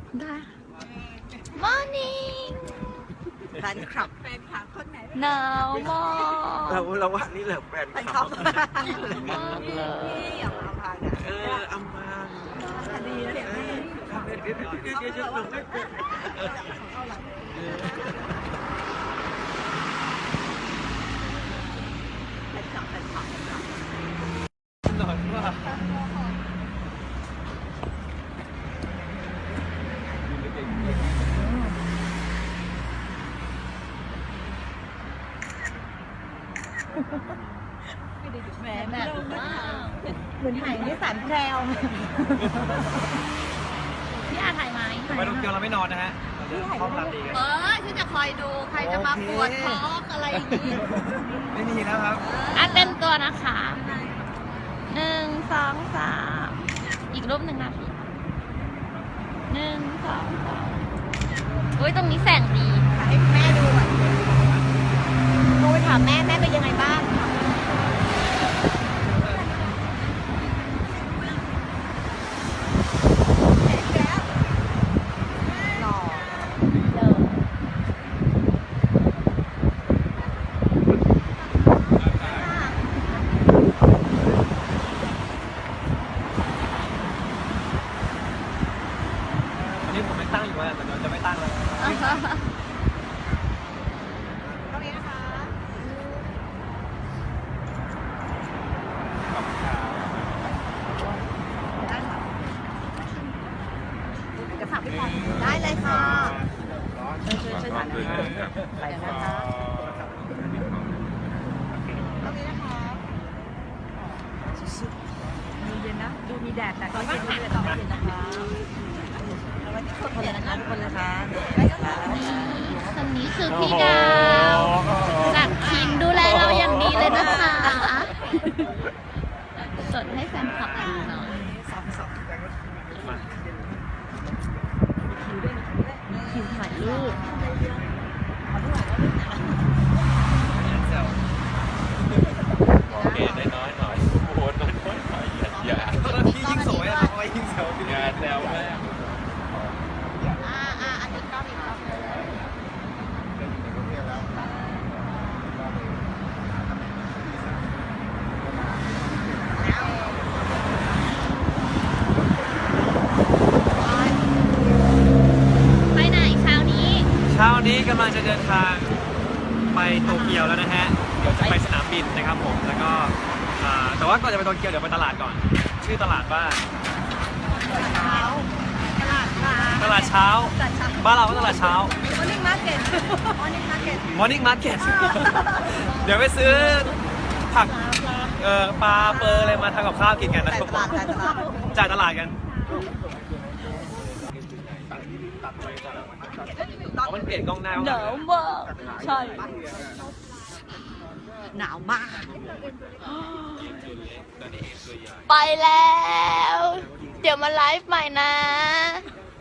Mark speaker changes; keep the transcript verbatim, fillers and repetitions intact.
Speaker 1: ได้ Morning
Speaker 2: แฟนคลับแฟนคลับคนไหน
Speaker 1: หนาวมาก
Speaker 3: เราเราว่านี่แหละแฟนคลับ
Speaker 1: มากเลย
Speaker 2: พี่อย่ามาพังอ่ะ
Speaker 3: เอออัมพาง
Speaker 2: ดีนะเนี่ยพี่
Speaker 3: เดี๋ยวเดี๋ยวเดี๋ยวเดี๋ยวเดี๋ยวไม่เป็น
Speaker 2: แฟนคลับแฟนคลับ
Speaker 3: หน่อยว่า
Speaker 2: แหมแบบเหมือนถ่ายนิสสันแพรว
Speaker 1: พี่อาถ่ายไหม
Speaker 3: ไปโตเกียวเราไม่นอนนะฮะห้องรับดีกัน
Speaker 1: เออที่จะคอยดูใครจะมาปวดท้องอะไรอย่างนี้
Speaker 3: ไม่มีแล้วครับ
Speaker 1: อ่ะเต็มตัวนะคะหนึ่งสองสามอีกรูปหนึ่งนะพี่หนึ่งสองสามอุ้ยตรงนี้แสงดี
Speaker 2: ให้แม่ดูอ่ะโทรไปถามแม่แม่เป็นยังไงบ้าง
Speaker 3: นี่ผมไม่ตั้งอยู่แล้วแต่เราจะไม่ตั้งแล้ว
Speaker 2: ตรงนี้นะคะจะฝากพี่พรได้เลยค่ะช่วยช่วยถ่ายนะคะไปนะคะตรงนี้นะคะมีเย็นนะดูมีแดดแต่ก็เย็นด้วยต่อเย็นนะคะทุกคนเลยนะคะทุกคนเลยค่ะ
Speaker 1: คนนี้คือพี่ดาวจากทีมดูแลเราอย่างดีเลยนะคะสดให้แฟนคลับดูหน่อยทีมถ่ายรูป
Speaker 3: โอเคได้น้อยหน่อยโหดน้อยน้อยหน่อยอย่าพี่ยิ่งสวยอ่ะทำไมยิ่งแซวงานแซวแม่
Speaker 1: อ่าอ่าอันนี้ก็มีก็ไปไหนเช้านี้
Speaker 3: เช้านี้กำลังจะเดินทางไปโตเกียวแล้วนะฮะเดี๋ยวจะไปสนามบินนะครับผมแล้วก็แต่ว่าก่อนจะไปโตเกียวเดี๋ยวไปตลาดก่อนชื่อตลาดว่า
Speaker 2: เช้าตลาดค่ะ
Speaker 3: ตลาดเช้าบ้านเราก็ตลาดเช้า
Speaker 2: Morning Market Morning Market
Speaker 3: Morning Market เดี๋ยวไปซื้อผักเอ่อปลาเปอร์อะไรมาทำกับข้าวกินกันนะครับผมจ่ายตลาดกันมันเปลี่ยนกล้องหน้า
Speaker 1: หนาวมากใช่
Speaker 2: หนาวมาก
Speaker 1: ไปแล้วเดี๋ยวมาไลฟ์ใหม่นะ